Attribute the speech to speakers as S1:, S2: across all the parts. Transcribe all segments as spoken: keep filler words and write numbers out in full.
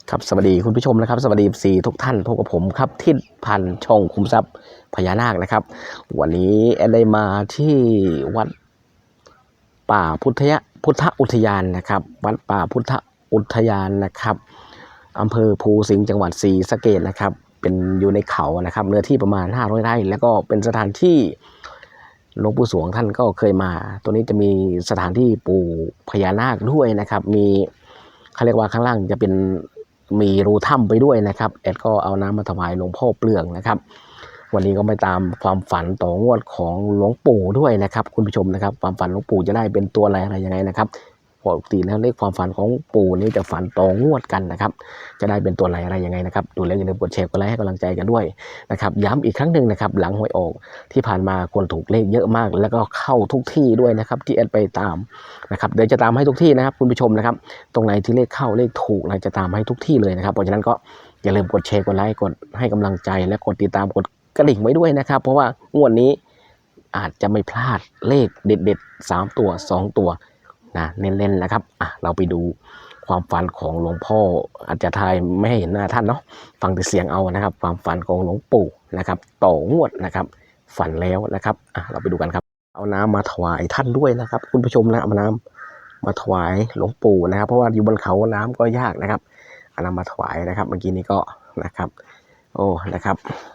S1: ครับสวัสดีคุณผู้ชมนะครับสวัสดีสี่ทุกท่านพบกับผมครับทิศพันธ์ช่องคุมทรัพย์พญานาคนะครับวันนี้แอดได้มาที่วัดป่าพุทธยะพุทธอุทยานนะครับวัดป่าพุทธอุทยานนะครับอำเภอภูสิงห์จังหวัดศรีสะเกษนะครับเป็นอยู่ในเขานะครับเนื้อที่ประมาณห้าร้อยไร่แล้วก็เป็นสถานที่หลวงปู่สวงท่านก็เคยมาตัวนี้จะมีสถานที่ปู่พญานาคด้วยนะครับมีเขาเรียกว่าข้างล่างจะเป็นมีรูถ้ำไปด้วยนะครับแอดก็เอาน้ำมาถวายหลวงพ่อเปลืองนะครับวันนี้ก็ไปตามความฝันต่องวดของหลวงปู่ด้วยนะครับคุณผู้ชมนะครับความฝันหลวงปู่จะได้เป็นตัวอะไรอะไรยังไงนะครับปกติแล้วเลขความฝันของปู่นี่จะฝันต่องวดกันนะครับจะได้เป็นตัวอะไรอะไรยังไงนะครับดูแล้วอย่าลืมกดแชร์กดไลค์ให้กำลังใจกันด้วยนะครับย้ำอีกครั้งหนึ่งนะครับหลังหวยออกที่ผ่านมาคนถูกเลขเยอะมากแล้วก็เข้าทุกที่ด้วยนะครับที่แอดไปตามนะครับเดี๋ยวจะตามให้ทุกที่นะครับคุณผู้ชมนะครับตรงไหนที่เลขเข้าเลขถูกเราจะตามให้ทุกที่เลยนะครับเพราะฉะนั้นก็อย่าลืมกดแชร์กดไลค์กดให้กำลังใจและกดติดตามกดกระดิ่งไว้ด้วยนะครับเพราะว่างวดนี้อาจจะไม่พลาดเลขเด็ดๆสามตัวสองตัวนะเน้นๆนะครับอ่ะเราไปดูความฝันของหลวงพ่ออาจจะทายไม่ให้เห็นหน้าท่านเนาะฟังแต่เสียงเอานะครับความฝันของหลวงปู่นะครับต่องวดนะครับฝันแล้วนะครับอ่ะเราไปดูกันครับเอาน้ำมาถวายท่านด้วยนะครับคุณผู้ชมนะเอาน้ำมาถวายหลวงปู่นะครับเพราะว่าอยู่บนเขาน้ำก็ยากนะครับเอาน้ำมาถวายนะครับเมื่อกี้นี้ก็นะครับโอ้นะครับ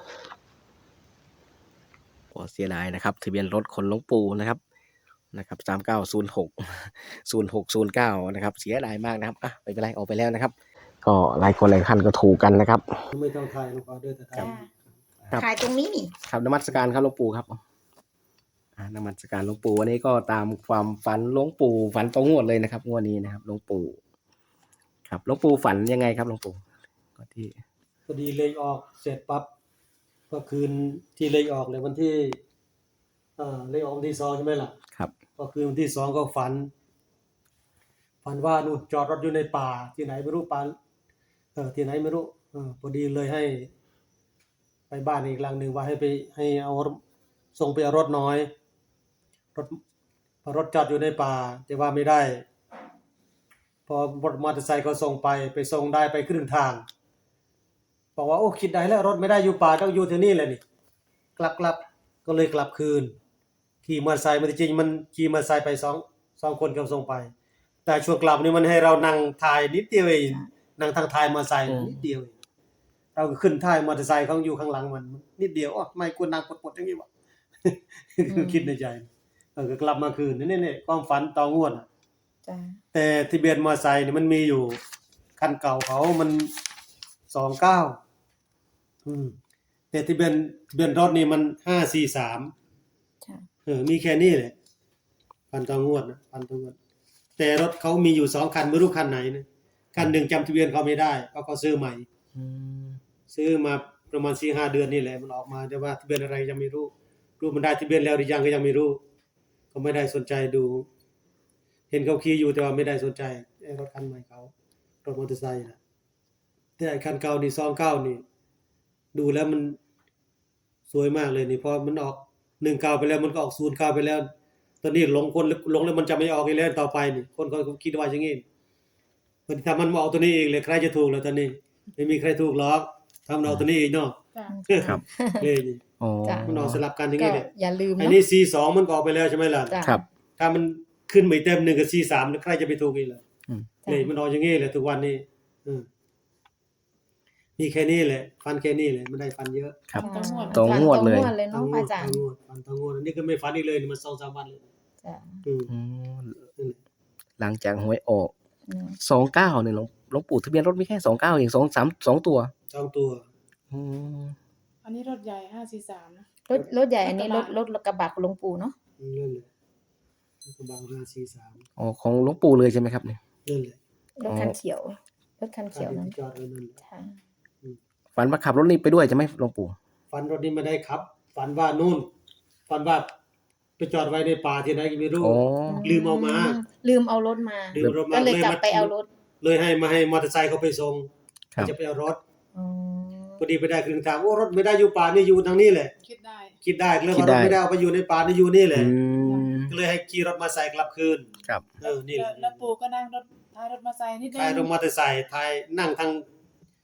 S1: ก็เสียดายนะครับทะเบียนรถคนหลวงปู่นะครับนะครับสามเก้าศูนย์หกศูนย์หกศูนย์เก้านะครับเสียดายมากนะครับอ่ะไม่เป็นไรออกไปแล้วนะครับก็หลายคนหลายท่านก็ถูกกันนะครับ
S2: ไม่ต้องถ่ายลูกเอาเด้อแต่ถ่าย
S1: ครับ
S3: ถ่ายตรงนี้นี่
S1: ครับนมัสการครับหลวงปู่ครับอ่านมัสการหลวงปู่วันนี้ก็ตามความฝันหลวงปู่ฝันตรงงวดเลยนะครับงวดนี้นะครับหลวงปู่ครับหลวงปู่ฝันยังไงครับหลวงปู่ก็ที่
S2: พอดีเลขออกเสร็จปั๊บก็คืนที่เลขออกเลยวันที่เอ่อเลขออกวันที่สองใช่ไหมล่ะ
S1: ครับ
S2: ก็คือวันที่สองก็ฝันฝันว่านู่นจอดรถอยู่ในป่าที่ไหนไม่รู้ป่าเออที่ไหนไม่รู้เออพอดีเลยให้ ไปบ้านอีกหลังหนึ่งว่าให้ไปให้เอาส่งไปเอารถน้อยรถพอรถจอดอยู่ในป่าแต่ว่าไม่ได้พอรถมอเตอร์ไซค์ก็ส่งไปไปส่งได้ไปครึ่งทางบอกว่าโอ้คิดได้แล้วรถไม่ได้อยู่ป่าต้องอยู่ที่นี่แหละนี่กลับกลับก็เลยกลับคืนขี่มอเตอร์ไซค์มันจริงมันขี่มอเตอร์ไซค์ไปสองสองคนก็ส่งไปแต่ช่วงกลับนี่มันให้เรานั่งถ่ายนิดเดียวเองนั่งทางท้ายมอเตอร์ไซค์นิดเดียวเราก็ขึ้นท้ายมอเตอร์ไซค์เขาอยู่ข้างหลังมันนิดเดียวอ๋อไม่ควรนั่งปวดๆอย่างนี้วะคิดในใจเออก็กลับมาคืนนี่นี่ความฝันต่องวดจ้ะแต่ทะเบียนมอเตอร์ไซค์นี่มันมีอยู่คันเก่าเขามันสองเก้าอืมแต่ทะเบียนทะเบียนรถนี่มันห้าสี่สามจ้ะเออมีแค่นี้แหละฝันต่องวดนะฝันต่องวดแต่รถเขามีอยู่สองคันไม่รู้คันไหนนะคันหนึ่งจำทะเบียนเขาไม่ได้เพราะเขาซื้อใหม่ซื้อมาประมาณ สี่ห้า เดือนนี่แหละมันออกมาแต่ว่าทะเบียนอะไรยังไม่รู้รู้มันได้ทะเบียนแล้วหรือยังก็ยังไม่รู้ก็ไม่ได้สนใจดูเห็นเขาขี่อยู่แต่ว่าไม่ได้สนใจไอ้รถคันใหม่เขารถมอเตอร์ไซค์นะแต่ไอ้คันเก่านี่สองเก้านี่ดูแล้วมันสวยมากเลยนี่พอมันออกหนึ่งเก้าไปแล้วมันก็ออกศูนย์เก้าไปแล้วตอนนี้หลงคนหลงแล้วมันจะไม่ออกอีกแล้วต่อไปนี่คนเขาคิดว่าอย่างงี้มันถ้ามันมาออกตัวนี้เองเลยใครจะถูกแล้วตอนนี้ไม่มีใครถูกหรอกทำเอาตัวนี้เองเนาะ
S1: ครับ
S2: เลยนี่
S1: อ๋อ
S2: มันออกสลับกันอย่างงี้แหละ
S3: อย่าลืม
S2: อันนี้ สี่สอง มันก็ออกไปแล้วใช่มั้ยล่ะ
S1: ครับ
S2: ถ้ามันขึ้นไม่เต็มหนึ่งกับ สี่สาม แล้วใครจะไปถูกอีกล่ะอืมนี่มันออกอย่างงี้แหละทุกวันนี้อือมีแค่นี้แหละฟันแค่นี้แหละไม่ได้ฟันเยอะ
S1: ครับตรงงวดเลย
S3: เนาะอาจารย์
S2: ฟันตรงงวดอันนี้ก็ไม่ฟันอีกเลยนี่มัน สองสาม วันเลยจ้ะอืม
S1: หลังจากหวยออกสองเก้าเนี่ยหลวงหลวงปู่ทะเบียนรถมีแค่สองเก้าเองสอง สาม สองตัว
S2: สองตัว
S1: อืม
S4: อันนี้รถใหญ่ห้าสี่สามนะ
S3: รถรถใหญ่อันนี้รถรถกระบะของหลวงปู่เนาะ
S2: นั่นแหละกระบะห้าสี่สาม
S1: อ๋อของหลวงปู่เลยใช่ไหมครับเนี่ย
S2: นั่นแหละ
S3: รถคันเขียวรถคันเขียวนั้น
S2: จอดไว้นั่น
S3: ใช่
S1: ฝันว่าขับรถนี้ไปด้วยใช่ไหมหลวงปู่
S2: ฝันรถนี้ไม่ได้ขับฝันว่านู่นฝันว่าไปจอดไว้ในป่าที่ไหนก็ไม่รู้ลืมเอามา
S3: ลืมเอารถมาก็เลยกลับไปเอารถ
S2: เลยให้มาให้มอเตอร์ไซค์เขาไปส่งจะไปเอารถพอดีไปได้ครึ่งทางโอ้รถไม่ได้อยู่ป่านี่อยู่ทางนี้แหละ
S4: คิดได้
S2: คิดได้เลยว่ารถไม่ได้เอาไปอยู่ในป่านี่อยู่นี่แหละก็เลยให้ขี่รถมาใส่กลับคืน
S1: ครับ
S2: เออนี่แหละ
S4: แล้วปู่ก็นั่งรถท้ายรถมาใส่นิดนึง
S2: ท้ายรถมอเตอร์ไซค์ท้ายนั่งทาง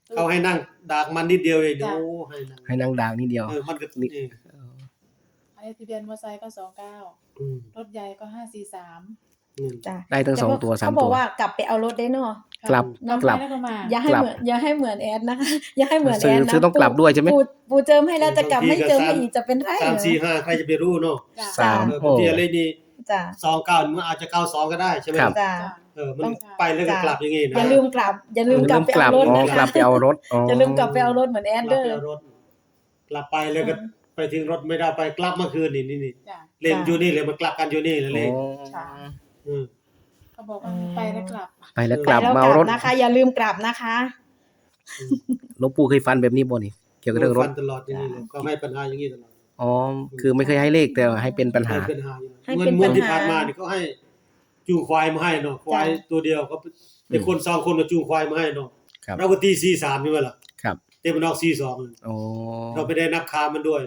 S2: เขาให้นั่งดากมันนิดเดียวเองโอ้ให้นั่ง
S1: ให้นั่งดาวนิดเดียว
S2: เออมันก็
S1: นี่
S2: เออ
S4: อันนี้ทะเบียนมอเตอร์ไซค์ก็สองเก้า
S2: อืม
S4: รถใหญ่ก็ห้าสี่สาม
S2: อืม
S3: จ้ะ
S1: ได้ทั้งสองตัวสาม
S3: เขาบ
S1: ตั
S3: อก
S1: ว
S3: ว่ากลับไปเอารถได้เนาะ
S1: กลับ
S4: น้อง
S1: กลับ
S4: ไปแล้วก็มา
S3: อย่าให้
S1: กลับ
S3: เหมือนอย่าให้เหมือนแอดนะคะ อย่าให้เหมือน
S1: ซื้
S3: แอ
S1: อ
S3: ดนะ
S1: ซื้อต้องกลับด้วยใช่ไหม
S3: ปูปูเจิมให้แล้วจะกลับไม่เจิมให้อีกจะเป็นไร
S2: สาม
S3: เหรอ
S2: สี่ห้าใครจะไปรู้เนาะ
S4: จ้ะ
S1: สาม
S2: เออ
S1: โอ้
S2: บางทีอะไรนี่
S3: จ้ะ
S2: สองเก้ามันอาจจะเก้าสองก็ได้ใช่ไหม
S1: ครับ
S3: จ้ะ
S4: จ้ะ
S2: เออมัน
S3: ต้อง
S2: ไปแล้วก็กลับอย่างงี้นะ
S3: อย่าลืมกลับ อย่าลืมกลับไปเอารถ
S1: อ๋อ
S3: นะ
S1: กลั
S3: คะ
S1: บไปเอารถอ๋อ
S3: อย่าลืมกลับไปเอารถเหมือนแอด
S2: ก
S3: เด้
S2: ลับ
S3: อ
S2: ไปเอารถกลับไปแล้วก็ไปถึงรถไม่ได้ไปกลับเมื่อคืนนี่นี่นี่
S4: จ้ะ
S2: เล่น
S3: จ้ะ
S2: อยู่นี่เลยมากลับกันอยู่นี่เลยเล่น
S1: อ๋อ
S4: ค่ะ
S2: อืม
S4: เขาบอกว่าไปแล้วกลับ
S1: ไปแล้ว
S3: ไป
S1: กลับ
S3: แล้ว
S1: มาก เอา
S3: ลั
S1: ร
S3: บ
S1: ถ
S3: นะคะ อย่าลืมกลับนะคะ
S1: หลวงปู่เคยฟันแบบนี้บ่นี่เกี่ยวกับเรื่องรถ
S2: ฟันตลอดอย่างนี้เลยก็ให้ปัญหาอย่างนี้ตลอด
S1: อ๋อคือไม่เคยให้เลขแต่ให้เป็นปัญหา
S2: ให้ปัญหาอยู่
S3: ให้
S2: เมื่อ
S3: เป็น
S2: เมื่อ
S3: ปัญหา
S2: ที่ผ่านมานี่เขาให้จูงควายมาให้เนาะควายตัวเดียวเขาไอ้คนสองคนก็จูงควายมาให้เนาะ
S1: ครับ
S2: เราก็ตีสี่สามใช่ไหมล่ะ
S1: ครับ
S2: เต็มมันออกสี่สอง
S1: โอ้
S2: เราไม่ได้นับคามันด้วย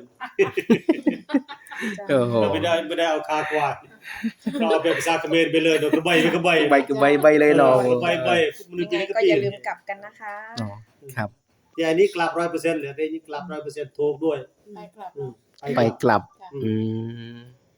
S1: โอ้โห
S2: เราไม่ได้ไม่ได้เอาคาควายเราเอาเป็นภาษาเขมรไปเลยเนาะกระใบไปกระใบ
S1: ใบคือใบใบเลยเนาะ
S2: กระใบใบมัน
S3: ยัง
S2: ตี
S3: ไง
S2: ก็
S3: ก็
S2: ตี
S3: อย่าลืมกลับกันนะคะ
S1: อ๋อครับ
S2: แต่อันนี้กลับร้อยเปอร์เซ็นต์เลยอันนี้กลับร้อยเปอร์เซ็นต์ถูกด้วย
S4: ไปกลับ
S2: อืม
S1: ไปกลับ
S4: จ้ะ
S1: อืม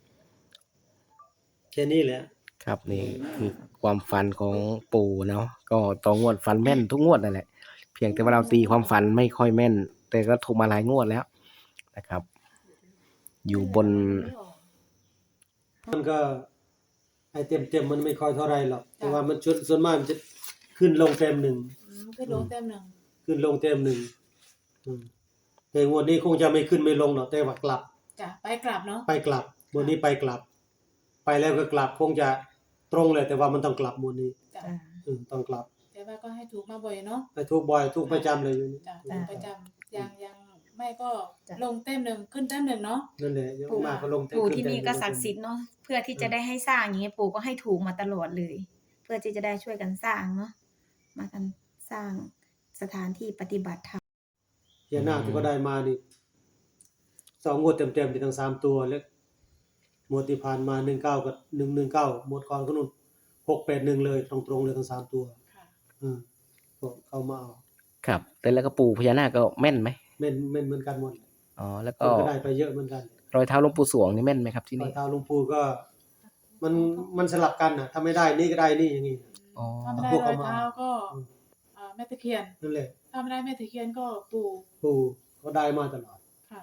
S2: แค่นี้แหละ
S1: ครับนี่คือความฝันของปู่เนาะก็ต่องวดฝันแม่นทุกงวดนั่นแหละเพียงแต่ว่าเราตีความฝันไม่ค่อยแม่น แต่ก็ถูกมาหลายงวดแล้วนะครับ อยู่บน
S2: มันก็ไอเต็มเต็มๆมันไม่ค่อยเท่าไรหรอกแต่ว่ามันชุดส่วนมากมันจะขึ้นลงเต็มหนึ่ง
S4: อืมขึ้นลงเต็มหนึ่ง
S2: ขึ้นลงเต็มหนึ่งอืมแต่งวดนี้คงจะไม่ขึ้นไม่ลงหรอกแต่ว่ากลับ
S4: จ้ะไปกลับเนาะ
S2: ไปกลับงวดนี้ไปกลับ ไปแล้วก็กลับคงจะตรงเลยแต่ว่ามันต้องกลับงวดนี้
S4: จ้ะ
S2: อืมต้องกลับ
S4: แต่ว่าก็ให้ถูกมาบ่อยเนาะ
S2: ไปทุกบ่อยทุกประจำเลยอยู่นี่
S4: จ้ะถูกประจำยังยังไม่ก็
S3: จ้ะ
S4: ลงเต็มหนึ่งขึ้นเต็มหนึ่งเนาะ
S2: นั่นแหละเยอะมากก็ลงเต็ม
S3: ปู่
S2: ขึ้
S3: ที่
S2: เต็ม
S3: นี่ก็
S2: ลงเต็ม
S3: ศักดิ์สิทธิ์เนาะเพื่อที่จะได้ให้สร้างอย่างเงี้ยปู่ก็ให้ถูกมาตลอดเลย เพื่อที่จะได้ช่วยกันสร้างเนาะมากันสร้างสถานที่ปฏิบัติธรรม
S2: เฮียนาคที่ก็ได้มานี่สองงวดเต็มๆที่ทั้งสามตัวแล้วงวดที่ผ่านมาหนึ่งเก้ากับหนึ่งหนึ่งเก้าหมดก่อนก็นู่นหกแปดหนึ่งเลยตรงๆเลยทั้งสามตัว
S4: ค่ะ
S2: อืมก็เข้ามาเอา
S1: ครับ แต่แล้วก็ปู่พญานาคก็แม่นไหม
S2: เม่นเม่นเหมือนกันหมด
S1: อ๋อแล้ว
S2: ค
S1: ก็
S2: นก็ได้ไปเยอะเหมือนกัน
S1: รอยเท้าหลวงปู่สวงนี่แม่นไหมครับที่
S2: รอ
S1: นี่
S2: ยเท้าหลวงปู่ก็ มันมันสลับกันน่ะถ้าไม่ได้นี่ก็ได้นี่อย่างนี้
S1: อ๋อ
S4: ถ้าไม่ได้
S2: พวก
S4: ร
S2: เขา
S4: อย
S2: มา
S4: เท้าก็
S2: อืม
S4: อ่าแม่ตะเคียน
S2: นั่นแหละ
S4: ถ้าไม่ได้แม่ตะเคียนก็ปู่
S2: ปู่เขาได้มาตลอด
S4: ค่ะ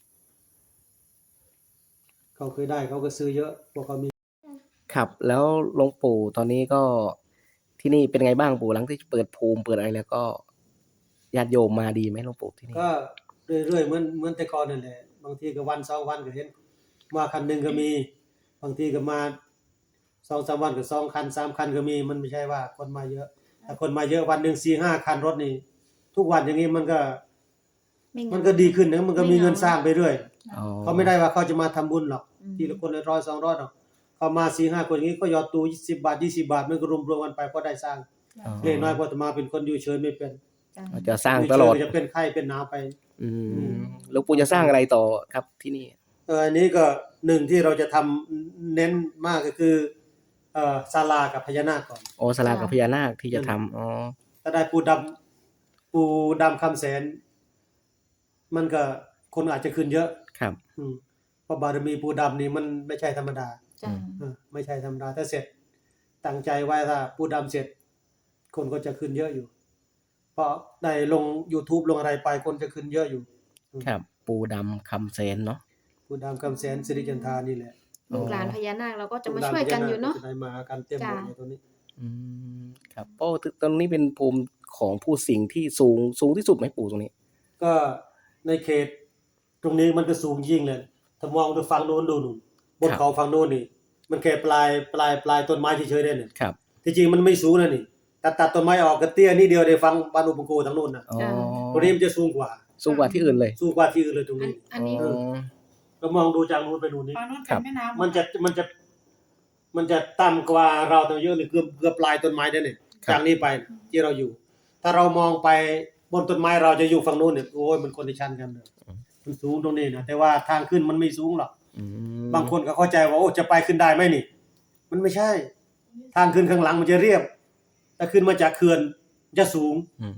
S2: เขาเคยได้เขาก็ซื้อเยอะพวกเขามี
S1: ครับ แล้วหลวงปู่ตอนนี้ก็ที่นี่เป็นไงบ้างปู่หลังที่เปิดภูมิเปิดอะไรแล้วก็ญาติโยมมาดีไหมหลวงปู่ที่นี่
S2: ก็เรื่อยๆเหมือนเหมือนแต่ก่อนนั่นแหละบางทีก็วันสองวันก็เห็นมาคันหนึ่งก็มี บางทีก็มาสองสามวันก็สองคันสามคันก็มีมันไม่ใช่ว่าคนมาเยอะแต่คนมาเยอะวันหนึ่งสี่ห้าคันรถนี่ทุกวันอย่างนี้มันก็
S3: ไม่เหงา
S2: มันก็ดีขึ้นนะมันก็มีเงินสร้างไปเรื่อย
S1: อ๋อ
S2: เขาไม่ได้ว่าเขาจะมาทำบุญหรอก
S3: อืม
S2: ทีละคนละร้อยสองร้อยหรอกเขามาสี่ห้าคนอย่างนี้ก็หยอดตู้สิบบาทยี่สิบบาทมันก็รวมรวมกันไปก็ได้สร้าง
S1: อ๋อ
S2: เล็กน้อยพอจะมาเป็นคนอยู่เฉยไม่เป็น
S3: จ้ะ
S1: จะสร้างตลอด
S2: ยู่เฉยจะเป็นไข้เป็นหนาวไป
S1: อืมหลวงปู่จะสร้างอะไรต่อครับที่นี่
S2: เอออันนี้ก็หนึ่งที่เราจะทำเน้นมากก็คือเอ่อศาลากับพญานาคก่อน
S1: โอ้สลากับพญานาคที่จะทำอ๋อ
S2: ถ้าได้ปูดำปูดำคำแสน มันก็คนอาจจะขึ้นเยอะ
S1: ครับ
S2: อืมเพราะบารมีปูดำนี่มันไม่ใช่ธรรมดา
S3: จ้ะ
S2: เออไม่ใช่ธรรมดาถ้าเสร็จตั้งใจไว้ถ้าปูดำเสร็จ คนก็จะขึ้นเยอะอยู่ เพราะได้ลง YouTube ลงอะไรไปคนจะขึ้นเยอะอยู่
S1: ครับ ปูดำคำแสนเนาะ
S2: ปูดำคำแสนสิริจันทานี่แหละ
S3: ลูกหลานพญานาคเราก็จะมาช่วยกันอยู่เนาะ
S2: จะได้มากันเต็มหมดเลยตัวนี้
S1: อืมครับโอ้ตรงนี้เป็นภูมิของผู้สิงห์ที่สูงสูงที่สุดไหมปู่ตรงนี้
S2: ก็ในเขตตรงนี้มันก็สูงยิ่งเลยถ้ามองไปฝั่งโน้นดูนู่นบน
S1: ครับ
S2: เขาฝั่งโน้นนี่ มันแค่ปลายปลายปลายต้นไม้เฉยๆได้เนี่ย
S1: ครับ
S2: ที่จริงมันไม่สูงนะนี่ตัดตัดต้นไม้ออกก็เตี้ยนิดเดียวได้ฟังบ้านอุปโกทางโน้นน่ะ
S1: อ๋อ
S2: ตรงนี้มันจะสูงกว่า
S1: สูงกว่าที่อื่นเลย
S2: สูงกว่าที่อื่นเลยตรง
S3: อัน
S2: นี้
S3: อันนี้
S1: อ๋อ
S2: ก็มองดูจากนู้นไปนู่นนี่
S4: ฝั่งนู้น
S1: ครั
S4: เป็น
S1: บ
S4: แม่น้ำ
S2: มันจะมันจะ มันจะต่ำกว่าเราตั้งเยอะเลยเกือบเกือบปลายต้นไม้ได้เนี่ยจากนี้ไปที่เราอยู่ ถ้าเรามองไปบนต้นไม้เราจะอยู่ฝั่งโน้นเนี่ยโอ้ยมันคนละชั้นกันเลยมันสูงตรงนี้นะแต่ว่าทางขึ้นมันไม่สูงหรอก
S1: อืม
S2: บางคนก็เข้าใจว่าโอ้จะไปขึ้นได้ไหมนี่ มันไม่ใช่ ทางขึ้นข้างหลังมันจะเรียบแต่ขึ้นมาจากเขื่อนจะสูง
S1: อืม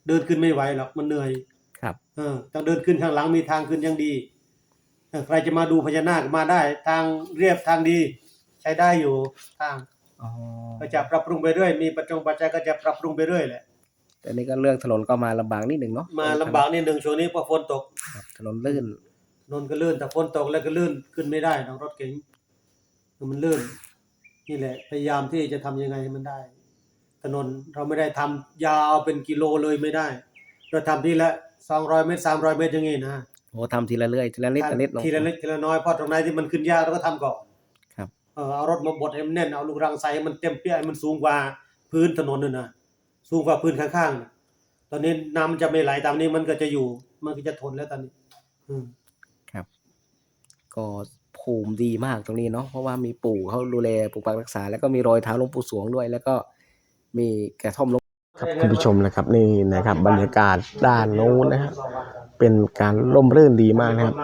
S2: เดินขึ้นไม่ไหวหรอกมันเหนื่อย
S1: ครับ
S2: เออต้องเดินขึ้นข้างหลังมีทางขึ้นยังดีเออใครจะมาดูพญานาคมาได้ ทางเรียบทางดี ใช้ได้อยู่ทาง
S1: อ๋อ
S2: ก็จะปรับปรุงไปเรื่อยมีปัจจงปัจจัยก็จะปรับปรุงไปเรื่อยแหละ
S1: แต่นี่ก็เรื่องถนนก็มาลำบากนิดหนึ่งเนาะ
S2: มาลำบากนิดหนึ่งช่วงนี้เพราะฝนตก
S1: ครับถนนลื่น
S2: ถนนก็ลื่นแต่ฝนตกแล้วก็ลื่นขึ้นไม่ได้น้องรถเก๋งมันลื่นนี่แหละ พยายามที่จะทำยังไงให้มันได้ ถนนเราไม่ได้ทำยาวเป็นกิโลเลยไม่ได้ เราทำทีละสองร้อยเมตรสามร้อยเมตรอย่างงี้นะ
S1: โอ้ทำทีละเรื่อยทีละนิดทีละนิดลง
S2: ทีละเล็กทีละน้อยเพราะตรงไหนที่มันขึ้นยากเราก็ทำก่อน
S1: ครับ
S2: เออเอารถมาบดให้มันแน่นเอาลูกรังใส่ให้มันเต็มเปี้ยให้มันสูงกว่าพื้นถนนนั่นนะสูงกว่าพื้นข้างๆน่ะตอนนี้น้ำมันจะไม่ไหลตามนี้มันก็จะอยู่ มันก็จะทนแล้วตอนนี้ อืม
S1: ครับ ก็ภูมิดีมากตรงนี้เนาะเพราะว่ามีปู่เขาดูแลปกปักรักษา แล้วก็มีรอยเท้าหลวงปู่สวงด้วย แล้วก็มีกระท่อมหลวงครับคุณผู้ชมนะครับนี่นะครับบรรยากาศด้านโน้นนะครับเป็นการร่มรื่นดีมากนะครับ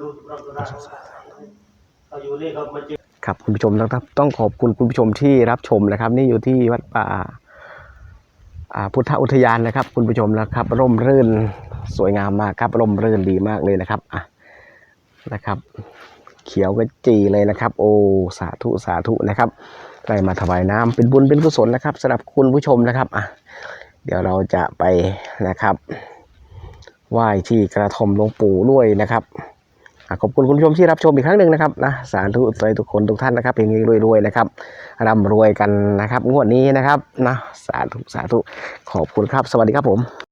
S2: เราอยู่นี่เขามาเจอ
S1: ครับคุณผู้ชมนะครับต้องขอบคุณคุณผู้ชมที่รับชมนะครับ นี่อยู่ที่วัดป่าอ่าพุทธอุทยานนะครับ คุณผู้ชมนะครับ ร่มรื่นสวยงามมากครับ ร่มรื่นดีมากเลยนะครับอ่ะนะครับ เขียวกระจีเลยนะครับ โอ้สาธุสาธุนะครับได้มาถวายน้ำเป็นบุญเป็นกุศลนะครับสำหรับคุณผู้ชมนะครับอ่ะเดี๋ยวเราจะไปนะครับไหว้ที่กระท่อมหลวงปู่ด้วยนะครับขอบคุณคุณผู้ชมที่รับชมอีกครั้งหนึ่งนะครับนะสาธุใจทุกคนทุกท่านนะครับเพลงนี้รวยๆนะครับร่ำรวยกันนะครับงวดนี้นะครับนะสาธุสาธุขอบคุณครับสวัสดีครับผม